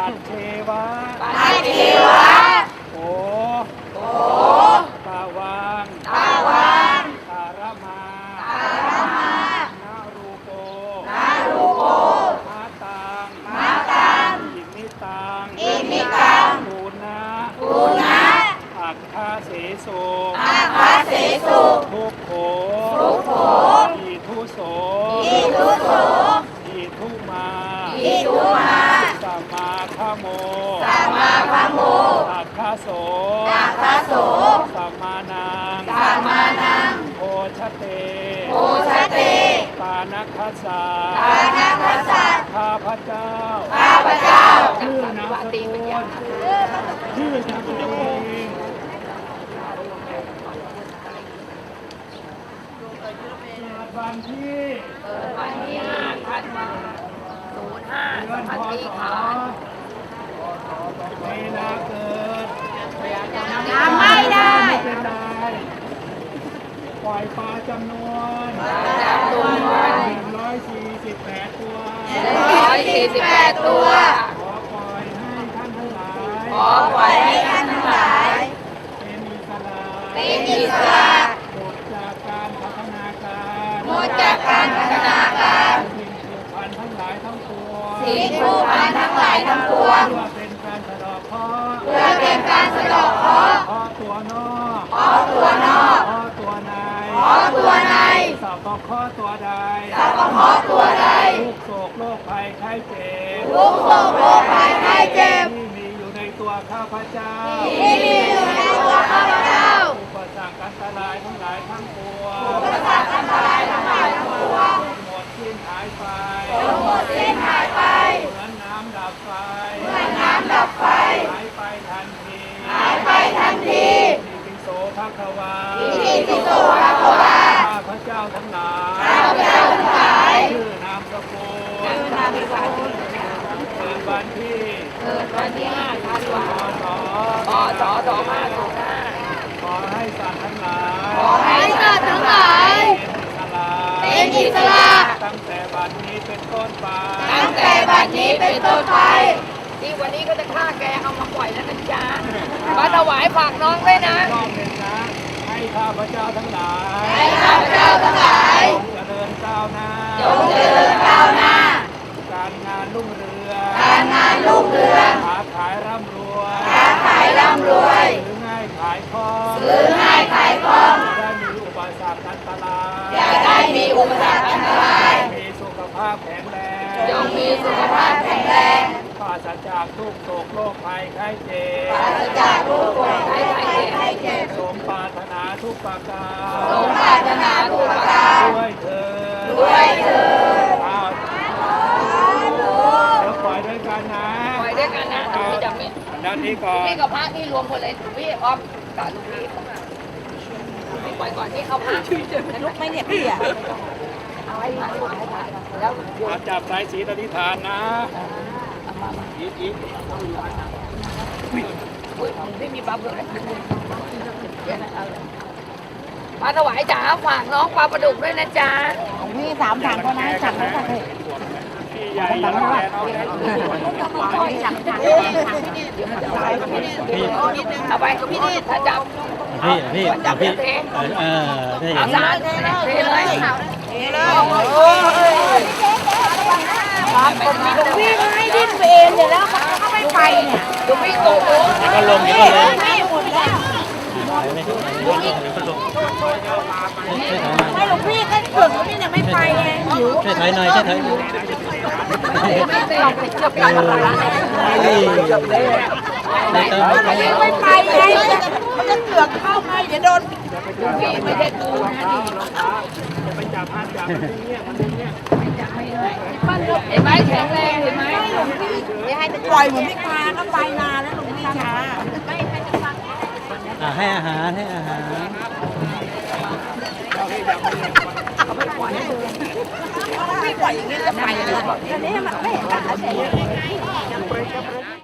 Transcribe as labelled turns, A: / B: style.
A: ปัจเทวะ
B: ปัจเทวะ
A: โอ
B: โอ
A: ตาวัง
B: ตาวัง
A: ตารมา
B: ตารมา
A: นารูโก
B: นารูโก
A: มาตัง
B: มาตัง
A: อิมิตัง
B: อิมิตัง
A: ปูนะ
B: ปูนะ
A: อัคคาเสโส
B: อาคาเสสุ
A: ทุกโข
B: ทุกโข
A: อิทุโส
B: อิทุโส
A: อิทุมา
B: อิทุมา
A: สัมมาคโม
B: สัมมาคโม
A: อัคคาโส
B: อาคาโส
A: สัมมานัง
B: สัมมานัง
A: โพชเต
B: โพชเต
A: ปานัคคัสสะ
B: ปานัคคัสสะ
A: ข้าพเจ้า
B: ข้าพเจ้า
A: ชื่อนามสกุลชื่อนามสกุลวันที่
B: วันที่5 ธันวาคม 05
A: เวลาเกิด
B: จำไม่ได้
A: เป็นไรปล่อยปลาจำนวน148 ตัว
B: 148 ตัว
A: ขอปล่อยให้ท่านทั้งหลาย
B: ขอปล่อยให้ท่านทั้งหลาย
A: เป็นอิสระ
B: เป็นอิสระ
A: หมดจากการพัฒนาการ
B: หมดจากการพัฒนาการ
A: สิ่งผูกพันทั้งหลายทั้งปวง
B: สิ่งผูกพันทั้งหลายทั้งปวง
A: เพื่อเป็นการสะดอกเคราะห์
B: เพื่อเป็นการสะดอกเคราะห์
A: เคราะห์ตัวนอก
B: เคราะห์ตัวนอก
A: เคราะห์ตัวใน
B: เคราะห์ตัวใน
A: สัพพะเคราะห์ตัวใด
B: สัพพะเคราะห์ตัวใด
A: ทุกโศกโรคภัยไข้เจ็บ
B: ทุกโศกโรคภัยไข้เจ็บ
A: ที่มีอยู่ในตัวข้าพเจ้า
B: ที่มีอยู่ในตัวข้าพเจ้า
A: อุปสรรคอันตรายทั้งหลายทั้งปวง
B: อุปสรรคอันตรายทั้งหลายทั้งปวง
A: หมดสิ้นหายไป
B: หมดสิ้นหายไป
A: เหมือนน้ำดับไฟ
B: เหมือนน้ำดับไฟ
A: หายไปทันที
B: หายไปทันที
A: อิติโสภะคะวา
B: อิติปิโสภะคะวา
A: ข้าพเจ้าทั้งหลาย
B: ข้าพเจ้าทั้งหลาย
A: ชื่อนามสกุล
B: ชื่อนามสกุล
A: เกิดวันที่
B: เกิดวันที่5 ธันวาคม
A: พศ
B: 2505
A: ขอให้สัตว์ทั้งหลาย
B: ขอให้สัตว์ทั้งหลาย
A: เป็นอิสระ
B: เป็นอิสระ
A: ตั้งแต่บัดนี้เป็นต้นไป
B: ตั้งแต่บัดนี้เป็นต้นไปที่วันนี้ก็จะฆ่าแกเอามาปล่อยแล้วนะจ๊ะมาถวายฝากน้องด้วยนะ
A: รอบหนึ่งนะ ให้ข้าพเจ้าทั้งหลาย
B: ให้ข้าพเจ้าทั้งหลาย
A: จงเจริญก้าวหน้า
B: จงเจริญก้าวหน้า
A: การงานรุ่งเรือง
B: การงานรุ่งเรือง
A: ค้าขายร่ำรวย
B: ค้าขายร่ำรวย
A: ซื้อง่ายขายคล่อง
B: ซื้อง่ายขายคล่อง
A: ได้มีอุปสรรคอันตราย
B: อย่าได้มีอุปสรรคอันตราย
A: มีสุขภาพแข็งแรง
B: จงมีสุขภาพแข็งแรง
A: ปราศจากทุกโศกโรคภัยไข้เจ็บ
B: ปราศจากโรคภัยไข้เจ็บ
A: สมปรารถนาทุกประการ
B: สมปรารถนาทุกประการ
A: ด้วยเถิด
B: ด้วยเถิด
A: อ้าวเดี๋ยวปล่อยด้วยกันนะ
B: ปล่อยด้วยกันนะพี่จับพี่
A: ด้านนี้ก่อน
B: พี่กับพระนี่รวมหมดเลยพี่ออฟกับลูกพี่พี่ปล่อยก่อนที่เขาพระลุกไหมเนี่ยพี่อ่ะเอาไว้ถ่ายแล้ว
A: มาจับสายสีอธิษฐานนะอีก
B: พี่มีปลาเผือกปลาถวายจ๋าฝากน้องปลาประดุกด้วยนะจ๊ะ
C: นี่3 ถังเท่านั้นสั่งแล้วค่ะ
A: พี่ใหญ่ยังแก่น้องแก่
C: สั่งถัง
B: เอาไปพี่นี่ถ้าจับ
D: พี่
B: จับ
D: พี่
B: เท
D: ได้
B: เอา
D: เห็น
B: สารเทเลย
C: พี่ไม่ดิ้นไปเองเดี๋ยวแล้วเขาไม่ไปเนี่ย
B: ดูพี่โกโก้
D: ก็ลงเดี๋ยวก็ลง
C: ไม่หมดแล้ว ไม่หลวงพี่ก็เกิดว่าพี่ยังไม่ไปไงหิว
D: ช่วยถอยหน่อยช่วยถอยหน่อย
B: เราไปเกือบกันแล้วนะ
C: ไม่ไปไงมันจะเกือกเข้าไงเดี๋ยวโดน
B: พี่ไม่ได้ตูนะดิ
A: ไปจับห้ามจับมันเนี่ยมันเนี่ย
B: เห็นไหมแข็งแรงเห็นไหม
C: ปล่อยเหมือนไม่พาก็ไปนานแล้วหลวงพี่ช้า
D: ให้อาหารให้อาหาร
C: พี่ปล่อยอย่างนี้จะไปเลยอันนี้มันไม่เห็น